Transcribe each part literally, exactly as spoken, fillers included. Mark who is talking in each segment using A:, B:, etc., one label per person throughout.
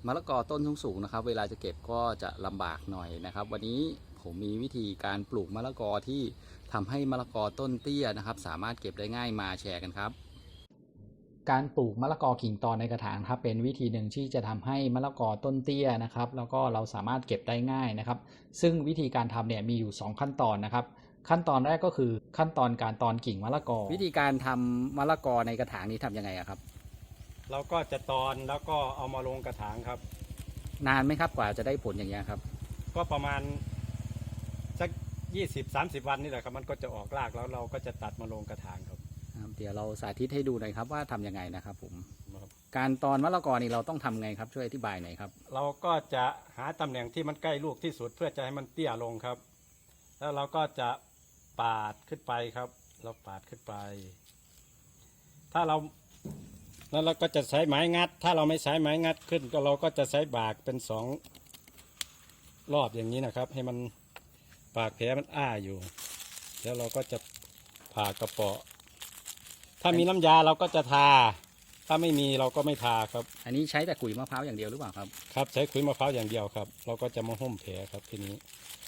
A: มะละกอต้นสูงๆนะครับเวลาจะเก็บก็จะลำบากหน่อยนะครับวันนี้ผมมีวิธีการปลูกมะละกอที่ทำให้มะละกอต้นเตี้ยนะครับสามารถเก็บได้ง่ายมาแชร์กันครับการปลูกมะละกอกิ่งตอนในกระถางครับเป็นวิธีหนึ่งที่จะทำให้มะละกอต้นเตี้ยนะครับแล้วก็เราสามารถเก็บได้ง่ายนะครับซึ่งวิธีการทำเนี่ยมีอยู่สองขั้นตอนนะครับขั้นตอนแรกก็คือขั้นตอนการตอนกิ่งมะละกอวิธีการทำมะละกอในกระถางนี้ทำยังไงครับ
B: เราก็จะตอนแล้วก็เอามาลงกระถางครับ
A: นานไหมครับกว่าจะได้ผลอย่างเงี้ยครับ
B: ก็ประมาณสักยี่สิบสามสิบวันนี่แหละครับมันก็จะออกรากแล้วเราก็จะตัดมาลงกระถางครับ
A: เดี๋ยวเราสาธิตให้ดูหน่อยครับว่าทำยังไงนะครับผมการตอนมะละกอนี่เราต้องทำไงครับช่วยอธิบายหน่อยครับ
B: เราก็จะหาตำแหน่งที่มันใกล้ลูกที่สุดเพื่อจะให้มันเตี้ยลงครับแล้วเราก็จะปาดขึ้นไปครับเราปาดขึ้นไปถ้าเราแล้วเราก็จะใช้ไม้งัดถ้าเราไม่ใช้ไม้งัดขึ้นก็เราก็จะใช้บากเป็นสองรอบอย่างนี้นะครับให้มันปากแผลมันอ้าอยู่แล้วเราก็จะผ่ากระเปาะถ้ามีน้ำยาเราก็จะทาถ้าไม่มีเราก็ไม่ทาครับ
A: อันนี้ใช้แต่ขุยมะพร้าวอย่างเดียวหรือเปล่าครับ
B: ครับใช้ขุยมะพร้าวอย่างเดียวครับเราก็จะมาหุ้มแผลครับทีนี้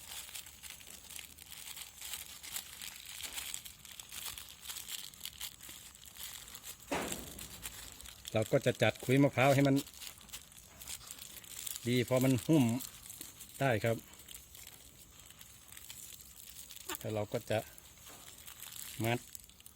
B: เราก็จะจัดขุยมะพร้าวให้มันดีพอมันหุ้มได้ครับแล้วเราก็จะมัด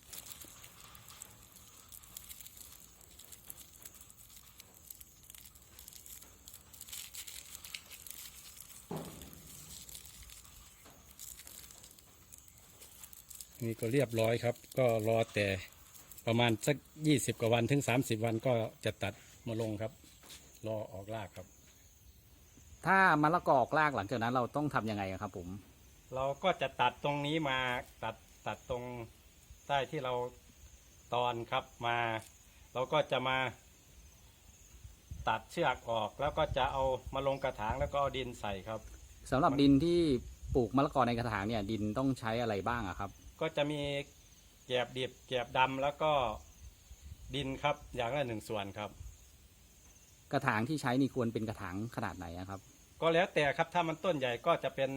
B: นี่ก็เรียบร้อยครับก็รอแต่ประมาณสักยี่สิบกว่าวันถึงสามสิบวันก็จะตัดมาลงครับรอออกรากครับ
A: ถ้ามะละกอออกรากหลังจากนั้นเราต้องทำยังไงครับผม
B: เราก็จะตัดตรงนี้มาตัดตัดตรงใต้ที่เราตอนครับมาเราก็จะมาตัดเชือกออกแล้วก็จะเอามาลงกระถางแล้วก็เอาดินใส่ครับ
A: สำหรับดินที่ปลูกมะละกอในกระถางเนี่ยดินต้องใช้อะไรบ้างครับ
B: ก็จะมีแกลบดิบแกลบดำแล้วก็ดินครับอย่างละหนึ่งส่วนครับ
A: กระถางที่ใช้นี่ควรเป็นกระถางขนาดไหนครับ
B: ก็แล้วแต่ครับถ้ามันต้นใหญ่ก็จะเป็น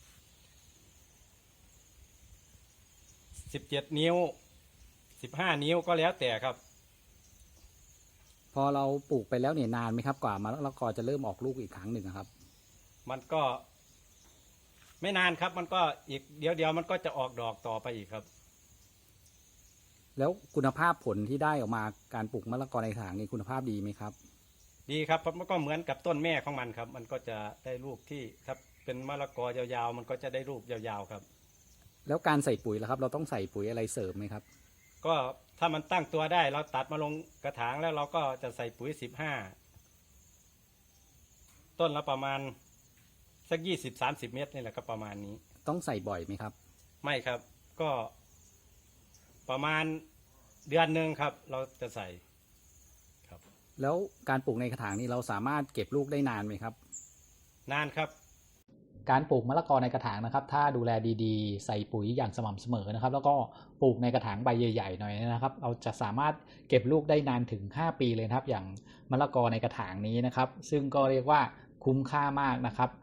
B: สิบเจ็ดนิ้วสิบห้านิ้วก็แล้วแต่ครับ
A: พอเราปลูกไปแล้วเนี่ยนานไหมครับกว่ามะละกอจะเริ่มออกลูกอีกครั้งหนึ่งครับ
B: มันก็ไม่นานครับมันก็อีกเดี๋ยวเดียวมันก็จะออกดอกต่อไปอีกครับ
A: แล้วคุณภาพผลที่ได้ออกมาการปลูกมะละกอในกระถางนี่คุณภาพดีไหมครับ
B: ดีครับเพราะมันก็เหมือนกับต้นแม่ของมันครับมันก็จะได้ลูกที่ครับเป็นมะละกอยาวๆมันก็จะได้ลูกยาวๆครับ
A: แล้วการใส่ปุ๋ยล่ะครับเราต้องใส่ปุ๋ยอะไรเสริมไหมครับ
B: ก็ถ้ามันตั้งตัวได้เราตัดมาลงกระถางแล้วเราก็จะใส่ปุ๋ยสิบห้าต้นละประมาณสักยี่สิบสามสิบเมตรนี่แหละก็ประมาณนี้
A: ต้องใส่บ่อยไหมครับ
B: ไม่ครับก็ประมาณเดือนหนึ่งครับเราจะใส่ครับ
A: แล้วการปลูกในกระถางนี่เราสามารถเก็บลูกได้นานไหมครับ
B: นานครับ
A: การปลูกมะละกอในกระถางนะครับถ้าดูแลดีๆใส่ปุ๋ยอย่างสม่ำเสมอนะครับแล้วก็ปลูกในกระถางใบใหญ่ๆหน่อยนะครับเราจะสามารถเก็บลูกได้นานถึงห้าปีเลยครับอย่างมะละกอในกระถางนี้นะครับซึ่งก็เรียกว่าคุ้มค่ามากนะครับ